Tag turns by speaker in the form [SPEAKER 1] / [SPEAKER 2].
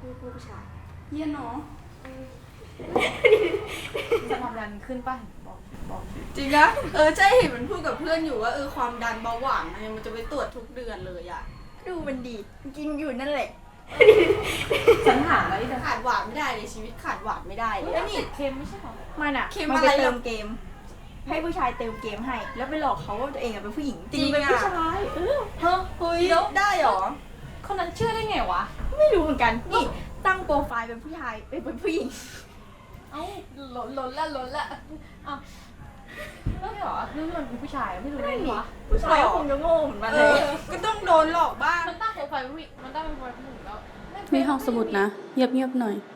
[SPEAKER 1] ผู้ชายเยี่ยเนาะ
[SPEAKER 2] จะความดันขึ้นป่ะบอก
[SPEAKER 1] จริงนะใช่เห็นมันพูดกับเพื่อนอยู่ว่าความดันเบาหวานมันจะไปตรวจทุกเดือนเลยอ่ะดูมันดีกินอยู่นั่นแหละ
[SPEAKER 2] ฉันถามแล้ว
[SPEAKER 1] ขาดหวานไม่ได้เลยชีวิตขาดหวานไม่ได้เลย
[SPEAKER 2] แล้วนี่เค็มไม่ใช่หรอ
[SPEAKER 1] มันอะมันไปเติมเกมให้ผู้ชายเติมเกมให้แล้วไปหลอกเขาว่าตัวเองเป็นผู้หญิงจริงเป็นผู้ชาย
[SPEAKER 2] เฮ้ย
[SPEAKER 1] ได้หรอ
[SPEAKER 2] คนนั้นเชื่อได้ไงวะ
[SPEAKER 1] ไม่รู้เหมือนกันนี่ตั้งโปรไฟล์เป็นผู้ชายเป็นผู้หญิง
[SPEAKER 2] เอ้าล้นละอ้าวแล้วเหรอนึกว่ามันเป็นผู้ชายไม่รู้ได้ไงวะ
[SPEAKER 1] ผู้ชายคงจะโง่เหมือนมันเลยก็ต้องโดนหลอกบ้าง
[SPEAKER 2] มันตั้งโปรไฟล์ผู้หญิงมันตั้งโปรไฟล์ผู้หญิงแล้ว
[SPEAKER 3] มีห้องสมุดนะเงียบๆหน่อย